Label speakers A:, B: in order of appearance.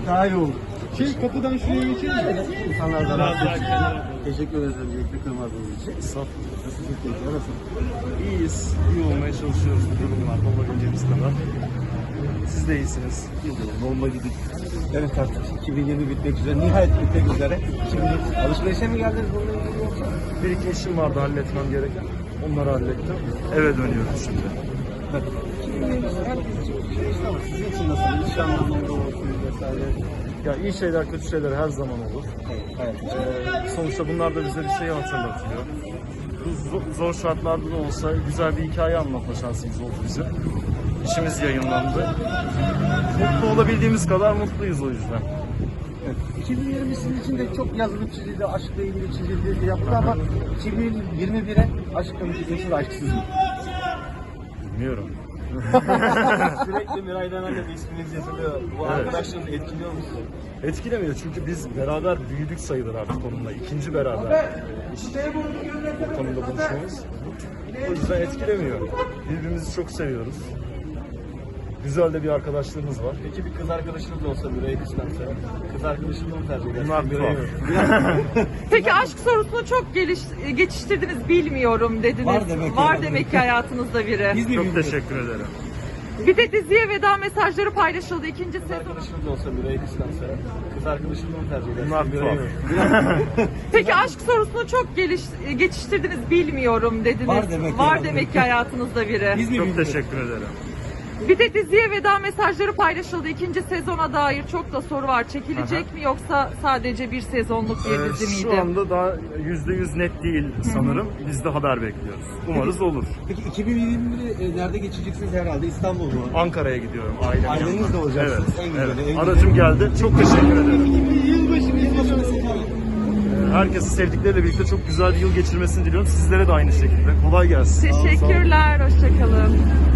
A: daha iyi oldu.
B: Kapıdan şuraya geçelim mi?
A: İnsanlar da rahatsız için. Teşekkür ederiz öncelikle kırmadığınız için. Nasılsınız keyifler nasıl?
B: İyiyiz. İyi olmaya çalışıyoruz bu durumlarda olabileceğimiz kadar. Siz de iyisiniz.
A: Bomba gibi. Evet artık 2020 bitmek üzere. Nihayet bitmek üzere. Şimdi alışverişe mi geldiniz bununla ilgili yoksa?
B: Bir iki işim vardı halletmem gereken. Onları hallettim. Eve dönüyoruz şimdi.
A: Evet. 2020 herkes için bir şey işte ama sizin için nasıl? İş anlamında olsun vesaire.
B: Ya iyi şeyler, kötü şeyler her zaman olur.
A: Evet.
B: Sonuçta bunlar da bize bir şeyi hatırlatıyor. Bu zor şartlarda da olsa güzel bir hikaye anlatma şansımız oldu bize. İşimiz yayınlandı. Mutlu olabildiğimiz kadar mutluyuz o yüzden.
A: Evet. 2020 sizin için de çok yazılı çizildi, aşkla ilgili çizildi, yapıldı ama 2021'e aşkla mı çizildi, aşksız mı?
B: Bilmiyorum.
A: Sürekli Miray Dana'yla bir isminiz yazılıyor. Bu
B: Evet.
A: arkadaşlarınız etkiliyor mu sizi?
B: Etkilemiyor çünkü biz beraber büyüdük sayılır artık onunla. İkinci beraber iş ortamında buluşmamız. O yüzden etkilemiyor. Birbirimizi çok seviyoruz. Güzel de bir arkadaşlığımız var.
A: Peki bir kız arkadaşınız olsa Miray'ı kıskansa, kız arkadaşınızı mı tercih edersiniz?
B: Bunlar
A: Miray'ı
B: tuhaf.
A: mı?
C: Peki aşk sorusunu çok geçiştirdiniz, bilmiyorum dediniz.
A: Var demek ki.
C: Demek ki hayatınızda biri.
A: Biz mi
B: Çok
A: bilmiyoruz?
B: teşekkür ederim.
C: Bir de diziye veda mesajları paylaşıldı ikinci
A: Kız
C: sezon.
A: arkadaşınız olsa Miray'ı kıskansa, kız arkadaşınızı mı tercih edersiniz?
B: Bunlar
A: Miray'ı
B: tuhaf.
A: mı?
C: Peki aşk sorusunu çok geçiştirdiniz, bilmiyorum dediniz.
A: Var demek ki.
C: Demek ki hayatınızda biri.
A: Biz mi
B: Çok
A: bilmiyoruz?
B: teşekkür ederim.
C: Bir de diziye veda mesajları paylaşıldı ikinci sezona dair çok da soru var. Çekilecek mi yoksa sadece bir sezonluk bir dizi miydi?
B: Şu anda daha %100 net değil sanırım. Biz de haber bekliyoruz. Umarız olur.
A: Peki 2021'i nerede geçeceksiniz herhalde? İstanbul mu?
B: Ankara'ya gidiyorum ailemle.
A: Ailenizle olacaksınız.
B: Evet,
A: En güzeli,
B: evet.
A: en güzeli.
B: Aracım geldi. Çok teşekkür ederim.
A: Yılbaşı mesajı.
B: Herkesi sevdikleriyle birlikte çok güzel bir yıl geçirmesini diliyorum. Sizlere de aynı şekilde. Kolay gelsin.
C: Teşekkürler, hoşçakalın.